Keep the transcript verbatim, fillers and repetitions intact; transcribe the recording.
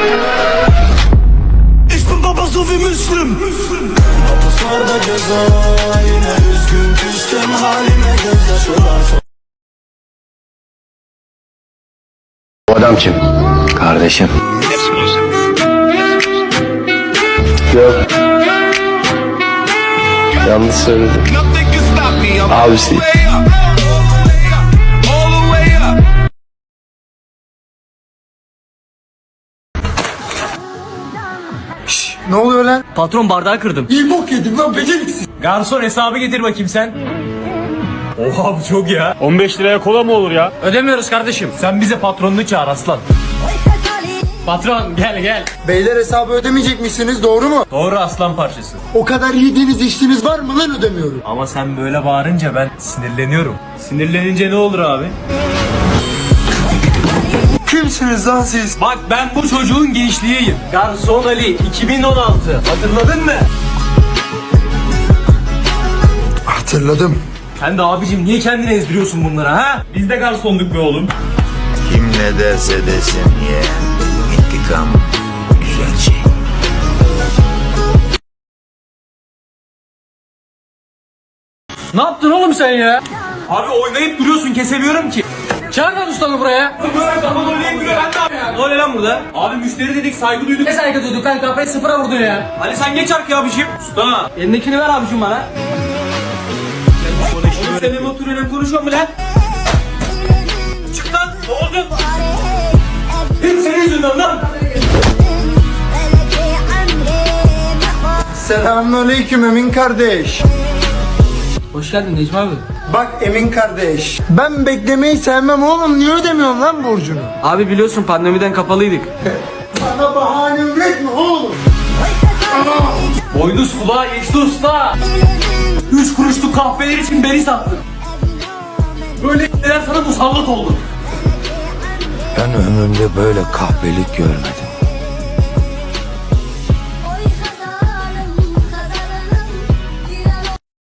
Ich bin Baba so wie Müslüm. Hapuslarda ceza, yine üzgün küstüm halime gözyaşlar. Bu adam kim? Kardeşim. Yok. Yanlış söyledim. Abisi. Ne oluyor lan? Patron bardağı kırdım. İyi bok yedim lan beceriksiz. Garson hesabı getir bakayım sen. Oha bu çok ya. on beş liraya kola mı olur ya? Ödemiyoruz kardeşim. Sen bize patronunu çağır aslan. Patron gel gel. Beyler hesabı ödemeyecek misiniz, doğru mu? Doğru aslan parçası. O kadar yediğiniz içtiğiniz var mı lan, ödemiyorum. Ama sen böyle bağırınca ben sinirleniyorum. Sinirlenince ne olur abi? Kimsiniz lan siz? Bak ben bu çocuğun gençliğiyim. Garson Ali iki bin on altı. Hatırladın mı? Hatırladım. Sen de abicim niye kendini ezdiriyorsun bunlara ha? Biz de garsonduk be oğlum. Kim ne derse desin ye. İntikam güzel şey. Ne yaptın oğlum sen ya? Abi oynayıp duruyorsun kesemiyorum ki. Çağır lan ustanı buraya. Böyle kapalı oynayıp duruyor ben ne yapayım? Ne oluyor lan burada? Abi müşteri dedik saygı duyduk. Ne saygı duyduk lan, kafayı sıfıra vurdun ya. Hadi sen geç arkaya abiciğim. Usta. Elindekini ver abicim bana. Oğlum seninle mi oturuyorsun konuşuyor mu lan? Çık lan ne oldu? Hep senin yüzünden lan. Selamünaleyküm Emin kardeş. Hoş geldin Necmi abi. Bak Emin kardeş, ben beklemeyi sevmem oğlum, niye ödemiyorsun lan borcunu? Abi biliyorsun pandemiden kapalıydık. Bana bahane üretme oğlum. Boynuz kulağa geçti usta. Üç kuruşluk kahveler için beni sattın. Böyle neler sana musallat oldu. Ben ömrümde böyle kahpelik görmedim.